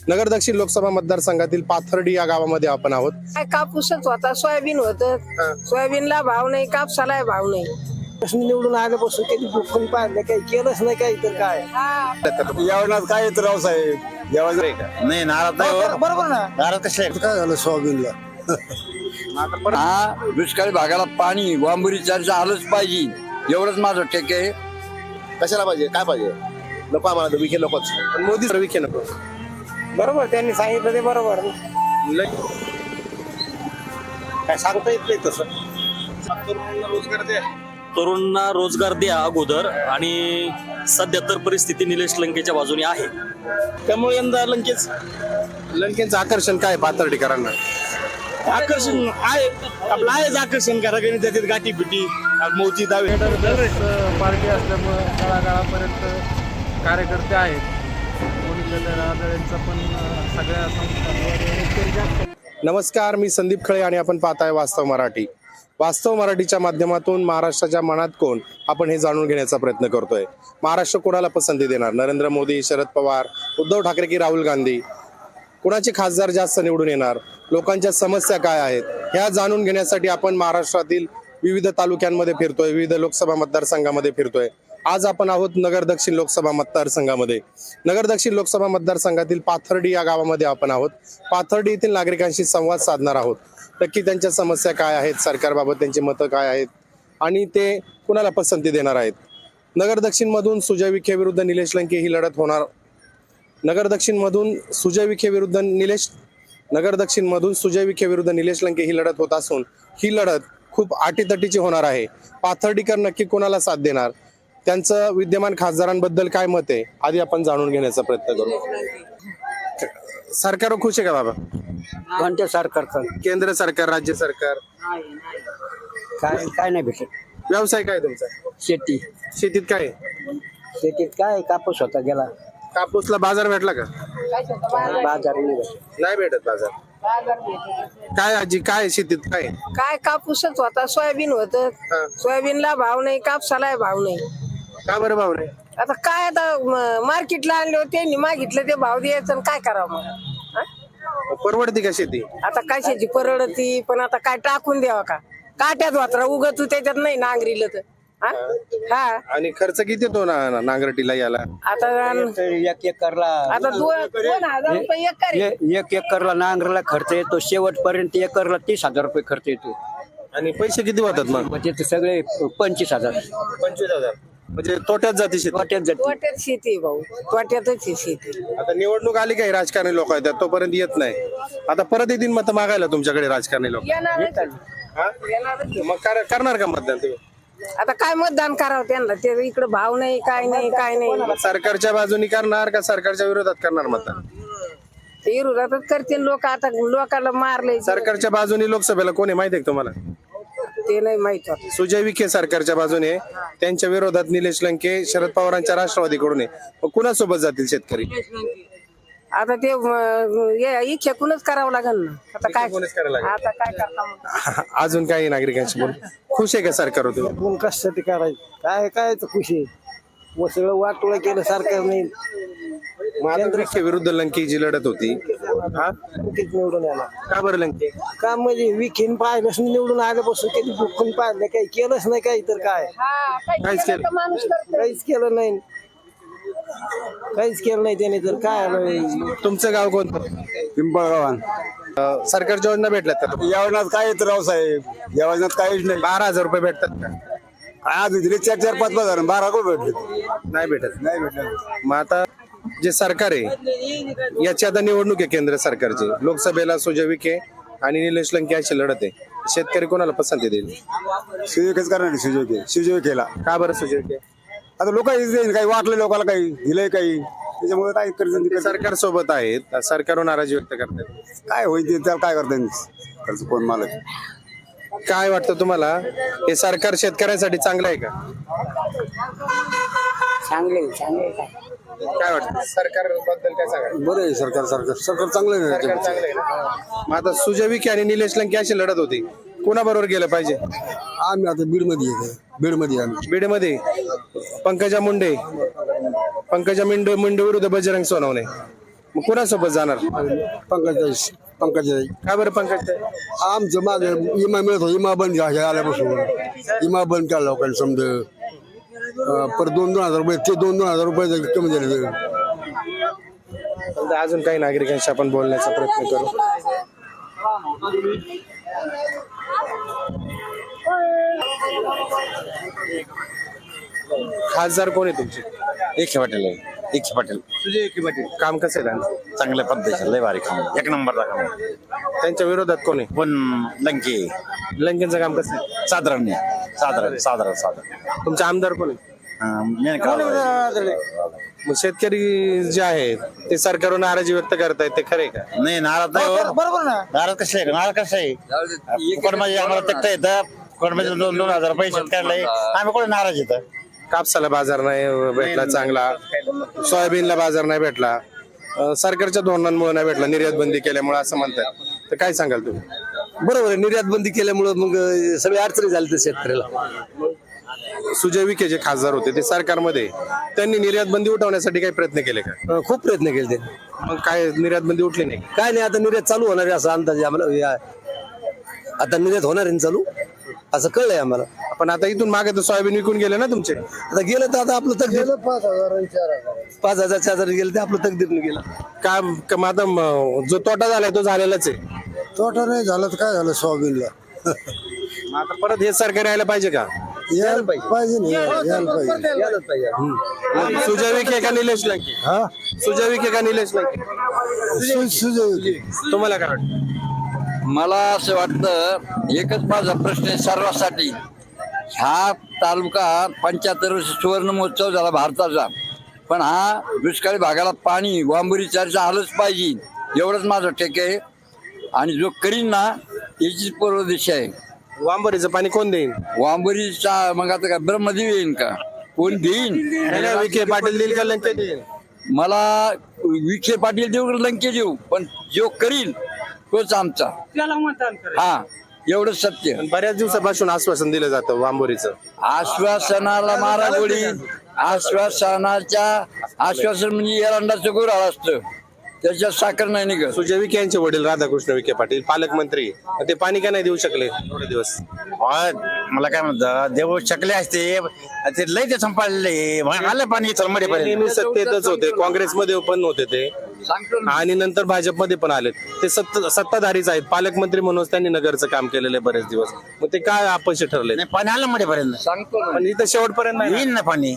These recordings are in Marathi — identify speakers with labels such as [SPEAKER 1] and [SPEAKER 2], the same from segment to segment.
[SPEAKER 1] नगर दक्षिण लोकसभा मतदारसंघातील पाथर्डी या गावामध्ये आपण आहोत.
[SPEAKER 2] काय कापूसच होता, सोयाबीन होतं. सोयाबीनला भाव नाही, कापसाला भाव नाही.
[SPEAKER 3] निवडून आल्यापासून कधी दुःखून पाहिलं काही केलंच नाही काही तर काय
[SPEAKER 4] यावेळेला काय तर राव साहेब नाही नाराज नाही
[SPEAKER 3] बरोबर ना.
[SPEAKER 4] नाराज कसे
[SPEAKER 3] काय झालं सोयाबीनला
[SPEAKER 4] हा दुष्काळी भागाला पाणी वांबुरी चर्चा आलंच पाहिजे एवढंच माझं टेक आहे.
[SPEAKER 1] कशाला पाहिजे, काय पाहिजे? नको आम्हाला विखे नकोच, पण मोदी सर विखे नको.
[SPEAKER 3] बरोबर त्यांनी सांगितलं ते बरोबर.
[SPEAKER 1] काय सांगता येत नाही तसं.
[SPEAKER 5] तरुणांना रोजगार द्या अगोदर, आणि सध्या तर परिस्थिती निलेश लंकेच्या बाजूने आहे, त्यामुळे यंदा
[SPEAKER 1] लंकेचं आकर्षण काय पाथर्डीकरांना?
[SPEAKER 5] आकर्षण आहे, आपलं आहेच आकर्षण करा त्याच्यात गाठी बिटी मोती दावे.
[SPEAKER 6] पार्टी असल्यामुळं तळागाळापर्यंत कार्यकर्ते आहेत. कोणींचा पण सगळ्या संस्थांवर.
[SPEAKER 1] नमस्कार, मी संदीप खळे आणि आपण पाहताय वास्तव मराठी. वास्तव मराठीच्या माध्यमातून महाराष्ट्राच्या मनात कोण, आपण हे जाणून घेण्याचा प्रयत्न करतोय. महाराष्ट्र कोणाला पसंती देणार? नरेंद्र मोदी, शरद पवार, उद्धव ठाकरे की राहुल गांधी? कुणाचे खासदार जास्त निवडून येणार? लोकांच्या समस्या काय आहेत, ह्या जाणून घेण्यासाठी आपण महाराष्ट्रातील विविध तालुक्यांमध्ये फिरतोय, विविध लोकसभा मतदारसंघामध्ये फिरतोय. आज आपण आहोत नगर दक्षिण लोकसभा मतदारसंघामध्ये. नगर दक्षिण लोकसभा मतदारसंघातील पाथर्डी या गावामध्ये आपण आहोत. पाथर्डी येथील नागरिकांशी संवाद साधणार आहोत. नक्की त्यांच्या समस्या काय आहेत, सरकारबाबत त्यांची मतं काय आहेत, आणि ते कुणाला पसंती देणार आहेत. नगर दक्षिण मधून सुजय विखे विरुद्ध निलेश लंके ही लढत होणार. नगर दक्षिण मधून सुजय विखे विरुद्ध निलेश लंके ही लढत होत असून ही लढत खूप आटीतटीची होणार आहे. पाथर्डीकर नक्की कोणाला साथ देणार, त्यांचं विद्यमान खासदारांबद्दल काय मत आहे, आधी आपण जाणून घेण्याचा प्रयत्न करू. सरकार खुश आहे का बाबा?
[SPEAKER 3] कोणत्या सरकार
[SPEAKER 1] केंद्र सरकार, राज्य सरकार?
[SPEAKER 3] काय नाही भेटत.
[SPEAKER 1] व्यवसाय काय तुमचा?
[SPEAKER 3] शेती.
[SPEAKER 1] शेतीत काय?
[SPEAKER 3] शेतीत काय कापूस होता गेला.
[SPEAKER 1] कापूसला बाजार भेटला का?
[SPEAKER 3] बाजार
[SPEAKER 1] नाही भेटत बाजार. काय आजी, काय शेतीत काय?
[SPEAKER 2] काय कापूसच होता, सोयाबीन होतं. सोयाबीनला भाव नाही, कापसाला भाव नाही.
[SPEAKER 1] का बरं भाव नाही?
[SPEAKER 2] आता काय, आता मार्केटला आणले होते, त्यांनी मागितलं ते भाव द्यायचं आणि काय करावं मग?
[SPEAKER 1] परवडती का शेती?
[SPEAKER 2] आता कशाची परवडती, पण आता काय टाकून द्यावा का? काट्यात वात्रा उगत त्याच्यात नाही नांगरीलं तर. हा,
[SPEAKER 1] आणि खर्च किती येतो नांगरटीला याला?
[SPEAKER 2] आता
[SPEAKER 3] एक एकरला
[SPEAKER 2] आता 2,000 रुपये एकर आहे.
[SPEAKER 3] एक एकरला नांगरला खर्च येतो. शेवटपर्यंत एकरला 30,000 रुपये खर्च येतो.
[SPEAKER 1] आणि पैसे किती होतात मग?
[SPEAKER 3] म्हणजे ते सगळे 25,000.
[SPEAKER 1] 25,000 म्हणजे तोट्यात जाते शेती.
[SPEAKER 2] तोट्यात शेती आहे भाऊ, तोट्यातच आहे शेती.
[SPEAKER 1] आता निवडणूक आली काही राजकारणी लोक आहेत तोपर्यंत येत नाही. आता परत येतील मत मागायला तुमच्याकडे राजकारणी लोक.
[SPEAKER 2] येणारच
[SPEAKER 1] मग करणार का मतदान तुम्ही?
[SPEAKER 2] आता काय मतदान करावं त्यांना, ते इकडे भाव नाही, काय नाही.
[SPEAKER 1] सरकारच्या बाजूनी करणार का सरकारच्या विरोधात करणार मतदान?
[SPEAKER 2] ते विरोधातच करतील लोक. आता लोकांना मारले.
[SPEAKER 1] सरकारच्या बाजूनी लोकसभेला कोण आहे माहिती आहे का तुम्हाला?
[SPEAKER 2] ते नाही माहित होत.
[SPEAKER 1] सुजय विखे सरकारच्या बाजूने, त्यांच्या विरोधात निलेश लंके शरद पवारांच्या राष्ट्रवादीकडून आहे. मग कुणासोबत जातील शेतकरी?
[SPEAKER 2] आता ते इच्छेकूनच करावं लागेल ना. आता काय आता काय करता?
[SPEAKER 1] अजून काही नागरिकांशी बोल. खुश आहे का सरकार तुम्ही?
[SPEAKER 3] कोण कशासाठी करायचं काय तर खुशी. मग सगळं वाटोळं केलं सरकारने.
[SPEAKER 1] विखे विरुद्ध लंके जी लढत होती,
[SPEAKER 3] निवडून आला
[SPEAKER 1] का बरं लंके?
[SPEAKER 3] का म्हणजे विखेन पाहिलंच निवडून आल्यापासून कधी दुःखून पाहिलं काही केलंच नाही काही तर काय
[SPEAKER 1] काहीच केलं?
[SPEAKER 3] काहीच केलं नाही. काहीच केलं नाही त्याने तर काय.
[SPEAKER 1] तुमचं गाव कोणतं?
[SPEAKER 4] पिंपळगावान.
[SPEAKER 1] सरकारच्या योजना भेटल्यात का?
[SPEAKER 4] यावेळेला काय तर राव साहेब यावेळेला काहीच नाही.
[SPEAKER 1] 12,000 रुपये भेटतात का?
[SPEAKER 4] आज दिले 4-4, 5-5 12 को भेटले.
[SPEAKER 1] नाही भेटत.
[SPEAKER 4] नाही भेटले.
[SPEAKER 1] मग आता जे सरकार आहे याची आता निवडणूक आहे केंद्र सरकारची. लोकसभेला सुजय विखे आणि निलेश लंके अशी लढत आहे. शेतकरी कोणाला पसंती देईल?
[SPEAKER 4] सुजयकेच करणार सुजय केला.
[SPEAKER 1] का बरं सुजय विखे?
[SPEAKER 4] आता लोक काही वाटले लोकांना काही दिलंय काही त्याच्यामुळे काय कर्ज
[SPEAKER 1] सरकार सोबत आहेत, सरकारवर नाराजी व्यक्त करतात.
[SPEAKER 4] काय होईल ते त्याला काय करता कर्ज कोण मालक.
[SPEAKER 1] काय वाटतं तुम्हाला, हे सरकार शेतकऱ्यांसाठी चांगलं आहे का?
[SPEAKER 3] चांगले
[SPEAKER 1] काय वाटतं सरकार बद्दल काय सांगा?
[SPEAKER 4] बरं आहे सरकार चांगलं आहे.
[SPEAKER 1] सरकार चांगलं आहे ना? मग आता सुजय विखे आणि निलेश लंके अशी लढत होती, कोणाबरोबर गेलं पाहिजे?
[SPEAKER 4] आम्ही आता बीडमध्ये आम्ही
[SPEAKER 1] बीडमध्ये पंकजा मुंडे विरुद्ध बजरंग सोनवणे. मग कोणासोबत जाणार?
[SPEAKER 4] पंकजाई
[SPEAKER 1] का बरं पंकज?
[SPEAKER 4] आमचं मागे इमा मिळत होता, इमा बंद आल्यापासून इमा बंद केला लोकांनी समजा. पर 2,000 रुपये ते 2,000 रुपये कमी झाले.
[SPEAKER 1] अजून काही नागरिकांशी आपण बोलण्याचा प्रयत्न करू. खासदार कोण आहे तुमचे?
[SPEAKER 7] एकशे पाटील आहे, एकशे पाटील
[SPEAKER 1] तुझे एकी पाटील काम कसं आहे त्यांचं?
[SPEAKER 7] चांगल्या पद्धतीचं लय भारी काम, एक नंबरचा काम आहे.
[SPEAKER 1] त्यांच्या विरोधात कोण आहे?
[SPEAKER 7] पण लंके
[SPEAKER 1] लंकेंचं काम कसं आहे?
[SPEAKER 7] साधारण नाही, साधारण
[SPEAKER 1] तुमचे आमदार कोण आहे? मग शेतकरी जे आहेत ते सरकारवर नाराजी व्यक्त करतायत, ते खरे का?
[SPEAKER 7] नाही नाराज नाही हो.
[SPEAKER 4] बरोबर ना.
[SPEAKER 7] नाराज कसं आहे, नाराज कसं आहे, फुकटमध्ये आम्हाला तक्ता येतं, फुकटमध्ये 2,000 रुपये शेतकऱ्याला आहे. आम्ही कोणी नाराज येतं.
[SPEAKER 1] कापसाला बाजार नाही भेटला चांगला, सोयाबीनला बाजार नाही भेटला, सरकारच्या धोरणांमुळे नाही भेटला, निर्यात बंदी केल्यामुळे असं म्हणतात. तर काय सांगाल तुम्ही?
[SPEAKER 3] बरोबर आहे, निर्यात बंदी केल्यामुळे मग सगळी अडचणी झाली तर शेतकऱ्याला.
[SPEAKER 1] सुजय विखे जे खासदार होते ते सरकारमध्ये, त्यांनी निर्यात बंदी उठवण्यासाठी काही प्रयत्न केले का?
[SPEAKER 3] खूप प्रयत्न केले त्यांनी.
[SPEAKER 1] मग काय निर्यात बंदी उठली नाही?
[SPEAKER 3] काय नाही, आता निर्यात चालू होणार आहे असं अंदाज आम्हाला. आता निर्यात होणार आहे चालू असं कळलंय आम्हाला.
[SPEAKER 1] पण आता इथून मागे तर सोयाबीन विकून गेले ना तुमचे.
[SPEAKER 3] आता गेलं तर आता आपलं तकदीर 5,000 4,000 गेलं ते आपलं तकदीरनं गेलं.
[SPEAKER 1] का मग आता जो तोटा झालाय तो झालेलाच आहे.
[SPEAKER 4] तोटा नाही झाला तर काय झालं सोयाबीनला?
[SPEAKER 1] मग आता परत हे सरकार यायला पाहिजे का?
[SPEAKER 4] यायला पाहिजे ना, यायला पाहिजे.
[SPEAKER 1] सुजय विखे का निलेश लंके? सुजय विखे का निलेश लंके? तुम्हाला काय वाटतं?
[SPEAKER 8] मला असं वाटतं, एकच माझा प्रश्न आहे सर्वांसाठी. हा तालुका 75 वर्ष सुवर्ण महोत्सव झाला भारताचा, पण हा दुष्काळी भागाला पाणी वांबुरी चारचा आलंच पाहिजे, एवढंच माझं ठेक आहे. आणि जो करीन ना याचीच पूर्व दिशा आहे.
[SPEAKER 1] वांबरीचं पाणी कोण देईन?
[SPEAKER 8] वांबुरीचा मग आता काय ब्रह्मदेव येईन का? कोण देईन?
[SPEAKER 1] विखे पाटील देईल का लंके देईल?
[SPEAKER 8] मला विखे पाटील देऊ का लंके देऊ, पण जो करील तोच आमचा. हा, एवढं सत्य.
[SPEAKER 1] बऱ्याच दिवसापासून आश्वासन दिलं जातं वांबोरीचं.
[SPEAKER 8] आश्वासनाला मारा गोळी, आश्वासन म्हणजे एरंडाचं गुऱ्हाळ असतं, त्याच्यात साखर नाही निघत.
[SPEAKER 1] सुजय विखे यांचे वडील राधाकृष्ण विखे पाटील पालकमंत्री, ते पाणी का नाही देऊ शकले थोडे दिवस?
[SPEAKER 7] मला काय म्हणतात, देऊ शकले असते, ते लय ते संपाळले आलं पाणी चलमडीपर्यंत.
[SPEAKER 1] नेहमी सत्तेतच होते, काँग्रेसमध्ये पण होते ते, आणि नंतर भाजपमध्ये पण आले. ते सत्ताधारीच आहेत, पालकमंत्री म्हणून त्यांनी नगरचं काम केलेलं आहे बरेच दिवस. मग ते काय अपयशी ठरले?
[SPEAKER 7] नाही पाणी आलं मडीपर्यंत,
[SPEAKER 8] सांगतो
[SPEAKER 1] पण इथं शेवटपर्यंत नाही.
[SPEAKER 7] येईन ना पाणी.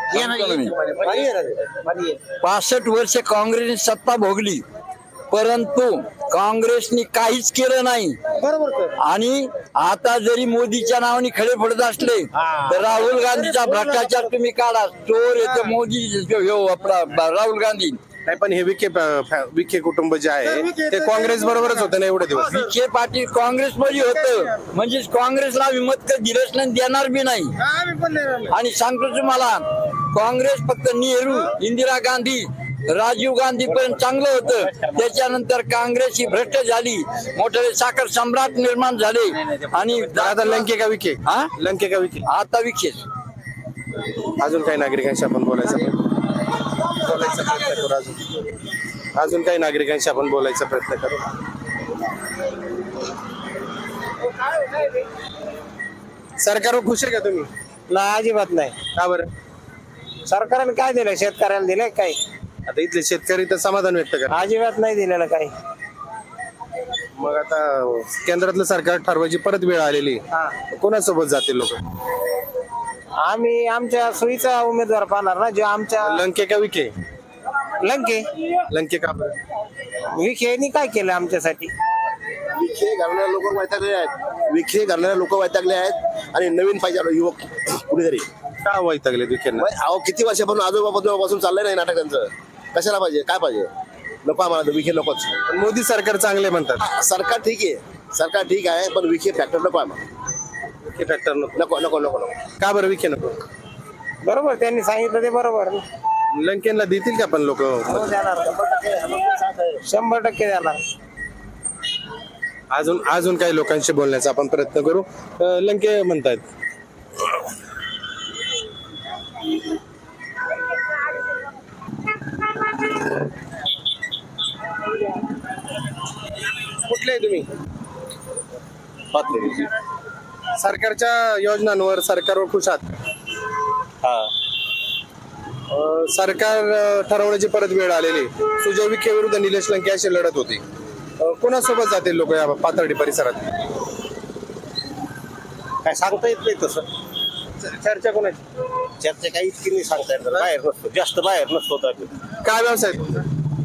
[SPEAKER 8] 65 वर्ष काँग्रेसने सत्ता भोगली, परंतु काँग्रेसने काहीच केलं नाही. आणि आता जरी मोदीच्या नावाने खडे फोडत असले तर राहुल गांधीचा भ्रष्टाचार तुम्ही काढा. चोर येतो मोदी, आपला राहुल गांधी.
[SPEAKER 1] नाही, पण हे विखे कुटुंब जे आहे ते काँग्रेस बरोबरच होतं ना एवढे दिवस.
[SPEAKER 8] विखे पाटील काँग्रेसमध्ये होतं, म्हणजे काँग्रेसला आम्ही मत दिलंच नाही, देणार बी नाही. आणि सांगतो तुम्हाला, काँग्रेस फक्त नेहरू, इंदिरा गांधी, राजीव गांधी पर्यंत चांगलं होतं. त्याच्यानंतर काँग्रेस ही भ्रष्ट झाली, मोठे साखर सम्राट निर्माण झाले. आणि
[SPEAKER 1] आता लंके का विखे?
[SPEAKER 8] हा,
[SPEAKER 1] लंके का विखे?
[SPEAKER 8] आता विखेच.
[SPEAKER 1] अजून काही नागरिकांशी आपण बोलायचं प्रयत्न करू. अजून काही नागरिकांशी आपण बोलायचा प्रयत्न करू. सरकारवर खुश आहे का तुम्ही?
[SPEAKER 3] नाही, अजिबात नाही.
[SPEAKER 1] का बरं?
[SPEAKER 3] सरकारने काय दिलं? शेतकऱ्याला दिलंय काय?
[SPEAKER 1] आता इथले शेतकरी तर समाधान व्यक्त करा.
[SPEAKER 3] अजिबात नाही दिलेलं काही.
[SPEAKER 1] मग आता केंद्रातलं सरकार ठरवायची परत वेळ आलेली, कोणासोबत जातील लोक?
[SPEAKER 3] आम्ही आमच्या सोयीचा उमेदवार पाहणार ना, जो आमच्या.
[SPEAKER 1] लंके का विखे?
[SPEAKER 3] लंके.
[SPEAKER 1] लंके का बरं?
[SPEAKER 3] विखेनी काय केलं आमच्यासाठी?
[SPEAKER 9] विखे घालणारे लोक वैतागले आहेत, विखे घालणारे लोक वैतागले आहेत. आणि नवीन पाहिजे युवक कुणीतरी.
[SPEAKER 1] का वैतागले विखेंना?
[SPEAKER 9] अहो किती वर्षापासून आजोबापासून चाललंय नाही नाटक त्यांचं. कशाला पाहिजे? काय पाहिजे? नको आम्हाला विखे नकोच.
[SPEAKER 1] मोदी सरकार चांगले म्हणतात.
[SPEAKER 9] सरकार ठीक आहे, सरकार ठीक आहे, पण विखे फॅक्टर नको आम्हाला.
[SPEAKER 1] विखे फॅक्टर नको?
[SPEAKER 9] नको नको नको नको.
[SPEAKER 1] का बरं विखे नको?
[SPEAKER 3] बरोबर, त्यांनी सांगितलं ते बरोबर.
[SPEAKER 1] लंकेनला देतील का पण लोक?
[SPEAKER 3] 100% देणार.
[SPEAKER 1] अजून काही लोकांशी बोलण्याचा आपण प्रयत्न करू. लंके म्हणतात तुम्ही सरकारच्या योजनांवर सरकारवर खुश आहात का? सरकार ठरवण्याची परत वेळ आलेली. सुजय विखे विरुद्ध निलेश लंके अशी लढत होती. कोणासोबत जातील लोक या पाथर्डी परिसरात?
[SPEAKER 7] काय सांगता येत नाही तसं.
[SPEAKER 1] चर्चा कोणाची?
[SPEAKER 7] चर्चा काही इतकी नाही सांगता येत. बाहेर नसतो, जास्त बाहेर नसतो.
[SPEAKER 1] काय व्यवसाय तुमचा?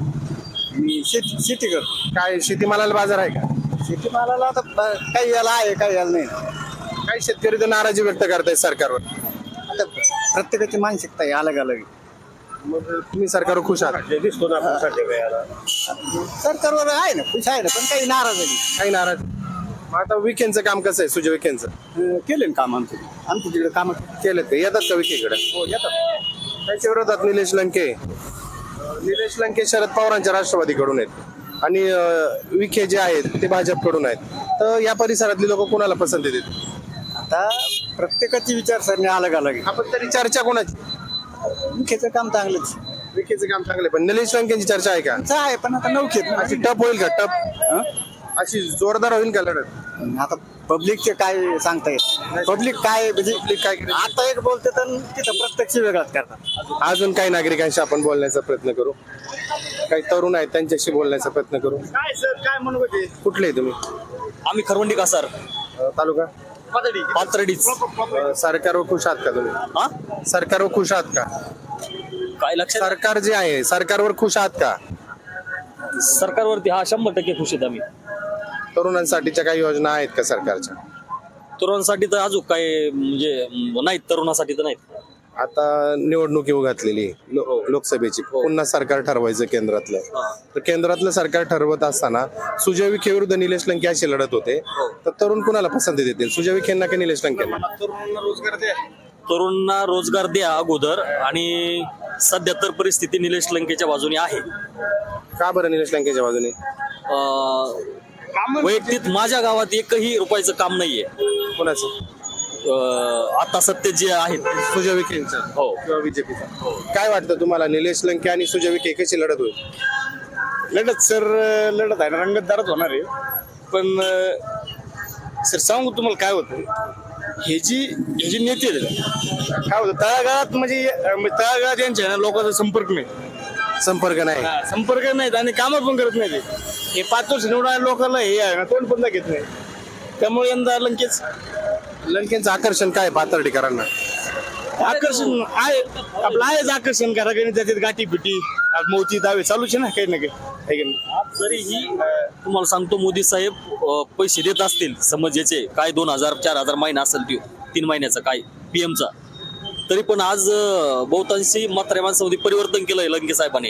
[SPEAKER 7] शेती कर.
[SPEAKER 1] काय शेतीमालाला बाजार आहे का?
[SPEAKER 7] शेतीमालाला आता काही याला आहे, काही याला नाही.
[SPEAKER 1] काही शेतकरी तर नाराजी व्यक्त करतायत सरकारवर.
[SPEAKER 7] आता प्रत्येकाची मानसिकता आहे अलग अलग.
[SPEAKER 1] मग तुम्ही सरकारवर खुश आहात?
[SPEAKER 7] दिसतो ना सरकारवर आहे ना, खुश आहे ना, पण काही नाराज आहे.
[SPEAKER 1] काही नाराज. मग आता विखेंचं काम कसं आहे? सुजय विखेंचं
[SPEAKER 7] केले ना काम आमचं तिकडे काम
[SPEAKER 1] केलं का? येतात का विखेकडे?
[SPEAKER 7] हो येतात.
[SPEAKER 1] त्याच्या विरोधात निलेश लंके. निलेश लंके शरद पवारांच्या राष्ट्रवादीकडून आहेत आणि विखे जे आहेत ते भाजपकडून आहेत. तर या परिसरातली लोक कोणाला पसंती देतील?
[SPEAKER 7] आता प्रत्येकाची विचारसरणी अलग अलग आहे.
[SPEAKER 1] आपण तरी चर्चा कोणाची?
[SPEAKER 7] मुख्यचं काम चांगलंच
[SPEAKER 1] विखेचं काम चांगले, पण निलेश लंकेची चर्चा आहे का?
[SPEAKER 7] आहे, पण आता नवखेत
[SPEAKER 1] अशी टप होईल का? टप अशी जोरदार होईल का लढत?
[SPEAKER 7] आता पब्लिकचे काय सांगता येत. पब्लिक काय म्हणजे
[SPEAKER 1] काय
[SPEAKER 7] आता एक बोलते तर तिथं प्रत्यक्ष वेगळाच करतात.
[SPEAKER 1] अजून काही नागरिकांशी आपण बोलण्याचा प्रयत्न करू. काही तरुण आहेत त्यांच्याशी बोलण्याचा प्रयत्न करू.
[SPEAKER 7] काय सर काय म्हणू होते.
[SPEAKER 1] कुठले तुम्ही?
[SPEAKER 5] आम्ही खरवंडी कासार,
[SPEAKER 1] तालुका
[SPEAKER 5] पाथर्डीच.
[SPEAKER 1] सरकारवर खुश आहात का तुम्ही?
[SPEAKER 5] हा
[SPEAKER 1] सरकारवर खुश आहात का?
[SPEAKER 5] काय लक्षात?
[SPEAKER 1] सरकार जे आहे सरकारवर खुश आहात का?
[SPEAKER 5] सरकारवरती 100% खुश आहेत आम्ही.
[SPEAKER 1] तरुणांसाठीच्या काही योजना आहेत का सरकारच्या?
[SPEAKER 5] तरुणांसाठी तर अजून काय म्हणजे नाहीत, तरुणासाठी तर नाहीत.
[SPEAKER 1] आता निवडणूक येऊ घातलेली लोकसभेची. पुन्हा सरकार ठरवायचं केंद्रातलं. तर केंद्रातलं सरकार ठरवत असताना सुजय विखे विरुद्ध निलेश लंके अशी लढत होते. तर तरुण कुणाला पसंती देतील? सुजय विखेंना की निलेश लंकेंना?
[SPEAKER 5] तरुणांना रोजगार द्या अगोदर, आणि सध्या तर परिस्थिती निलेश लंकेच्या बाजूने आहे.
[SPEAKER 1] का बरं निलेश लंकेच्या बाजूने?
[SPEAKER 5] वैयक्तिक माझ्या गावात एकही रुपयाचं काम नाहीये.
[SPEAKER 1] कोणाचं?
[SPEAKER 5] आता सत्य जे आहेत
[SPEAKER 1] सुजय विखेंचं
[SPEAKER 5] हो
[SPEAKER 1] किंवा बीजेपीचं. काय वाटतं तुम्हाला, निलेश लंके आणि सुजय विखे कशी लढत होईल?
[SPEAKER 7] लढत सर लढत आहे ना, रंगतदारच होणार आहे. पण सर सांगू तुम्हाला काय होतं, हे जी नेते आहेत, काय होतं तळागाळात म्हणजे तळागाळात यांच्या लोकांचा संपर्क नाही.
[SPEAKER 1] संपर्क नाही.
[SPEAKER 7] संपर्क नाहीत आणि कामं पण करत नाही. हे 5 वर्ष निवडणाऱ्या लोकांना हे आहे ना, तोंड पण घेत नाही. त्यामुळे यंदा
[SPEAKER 1] लंकेंचं आकर्षण काय पाथर्डीकरांना?
[SPEAKER 7] आकर्षण आहे आपलं, आहेच आकर्षण. घराघरी त्याच्यात गाठी पिटी मोती दावे चालूच आहे ना, काही ना काही.
[SPEAKER 5] जरीही तुम्हाला सांगतो, मोदी साहेब पैसे देत असतील समज याचे काय 2000-4000 महिना असेल तो 3 महिन्याचा काय पीएमचा, तरी पण आज बहुतांशी म्हाताऱ्या माणसामध्ये परिवर्तन केलंय लंके साहेबांनी.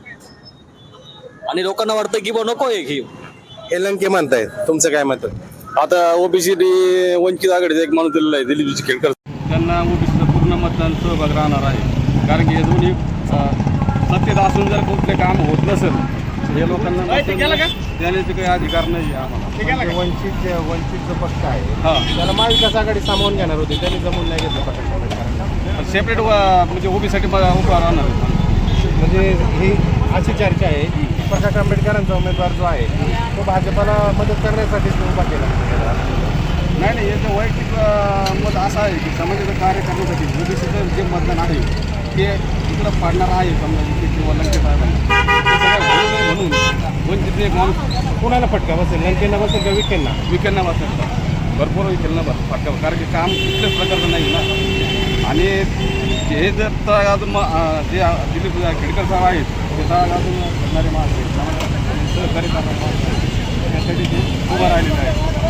[SPEAKER 5] आणि लोकांना वाटतं की नको आहे
[SPEAKER 1] हे लंके म्हणतायत, तुमचं काय मत?
[SPEAKER 4] आता ओबीसी वंचित आघाडीचा एक माणूस दिलेला आहे, दिलीप खेडकर.
[SPEAKER 6] त्यांना ओबीसीचं पूर्ण मतदान सहभाग राहणार आहे. कारण की हे दोन्ही सत्तेत असून जर कुठले काम होत नसेल, हे लोकांना देण्याचे काही अधिकार नाही आम्हाला. वंचितचं पक्ष आहे, त्याला महाविकास आघाडी सामावून घेणार होती, त्यांनी जमून नाही घेतलं.
[SPEAKER 4] सेपरेट म्हणजे ओबीसाठी उभा राहणार आहे.
[SPEAKER 6] म्हणजे ही अशी चर्चा आहे की प्रकाश आंबेडकरांचा उमेदवार जो आहे तो भाजपाला मदत करण्यासाठी उभा केला.
[SPEAKER 4] नाही, याचं वैयक्तिक मत असं आहे की समाजाचं कार्य करण्यासाठी ओबीसीचं जे मतदान आहे ते इकडं पाडणार आहे. समजा किंवा लंके साहेबांना म्हणून वंचित एक माणूस
[SPEAKER 6] कोणाला फटका बसेल? लंकेंना बसेल का विखेंना
[SPEAKER 4] बसेल? भरपूर विखेंना फटका, कारण की काम कुठल्याच प्रकारचं नाही ना. आणि हे जर तळागाळातून जे दिलीप खेडकर साहेब आहेत, ते तळागाळातून करणारे माणसं आहेत, सहकारी त्यासाठी ते उभं राहिलेलं आहे.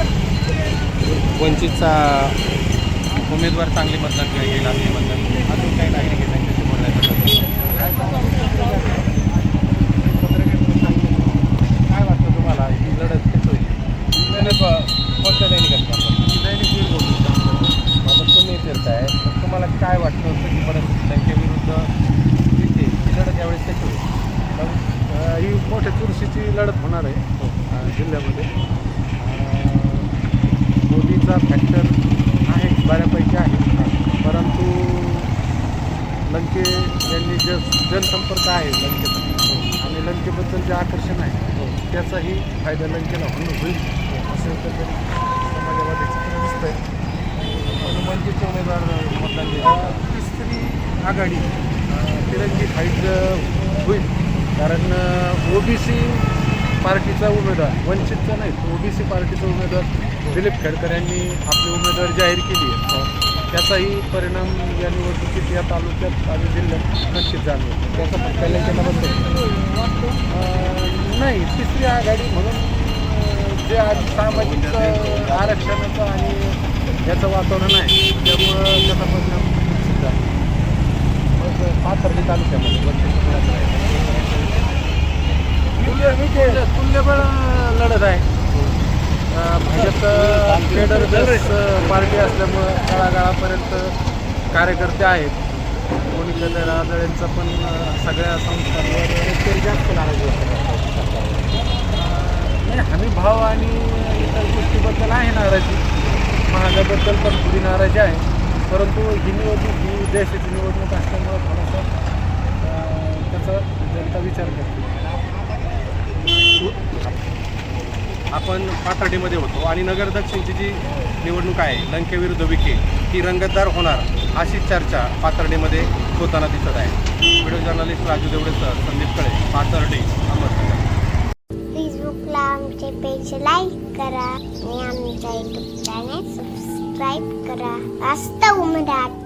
[SPEAKER 6] वंचितचा उमेदवार चांगले मतदान घेईल असे मतदान. अजून काही नागरिक आहेत त्यांच्याशी बोलण्याचं. काय वाटतं तुम्हाला, ही लढत कशी होईल? कोणत्या दैनिकात आता तुम्ही फिरताय, तर तुम्हाला काय वाटतं होतं की परत लंके विरुद्ध विखे ही लढत यावेळेस कशी होईल? ही मोठ्या चुरशीची लढत होणार आहे जिल्ह्यामध्ये. मोदीचा फॅक्टर आहे बऱ्यापैकी आहे, परंतु लंके यांनी जनसंपर्क आहे लंकेचा, आणि लंकेबद्दल जे आकर्षण आहे त्याचाही फायदा लंकेला होईल असं एकंदरीत समाजामध्ये चित्र दिसतंय. पण वंचितचे उमेदवार मतदान देतात. तिसरी आघाडी तिरंगी फाईट होईल, कारण ओबीसी पार्टीचा उमेदवार, वंचितचा नाही, ओबीसी पार्टीचा उमेदवार दिलीप खेडकर यांनी आपली उमेदवारी जाहीर केली आहे. त्याचाही परिणाम या निवडणुकीत या तालुक्यात आणि जिल्ह्यात नक्कीच जाणवेल. त्याचा फटका लंकेला नाही. तिसरी आघाडी म्हणून जे आज सामाजिक आरक्षणाचं आणि याचं वातावरण आहे त्यामुळं त्याचा परिणाम निश्चित झाला. मग पाथर्डी तालुक्यामध्ये तुल्यबळ लढत आहे. भाजप ट्रेडर बेस पार्टी असल्यामुळं तळागाळापर्यंत कार्यकर्ते आहेत. कोणी कदर आदळेंचा पण सगळ्या संस्थांवर जास्त नाराजी नाही. हमी भाव आणि इतर गोष्टीबद्दल आहे नाराजी, महागाबद्दल पण थोडी नाराजी आहे. परंतु ही निवडणूक ही देशाची निवडणूक असल्यामुळं थोडासा त्याचा जनता विचार करते.
[SPEAKER 1] आपण पाथर्डीमध्ये होतो आणि नगर दक्षिणची जी निवडणूक आहे लंके विरुद्ध विखे ती रंगतदार होणार अशी चर्चा पाथर्डीमध्ये होताना दिसत आहे. व्हिडिओ जर्नलिस्ट राजू देवडेसह संदीप कळे, पाथर्डी, अहमदनगर.
[SPEAKER 10] फेसबुकला आमचे पेज लाईक करा आणि आमच्या यूट्यूब चॅनल सबस्क्राईब करा. वास्तव मराठी.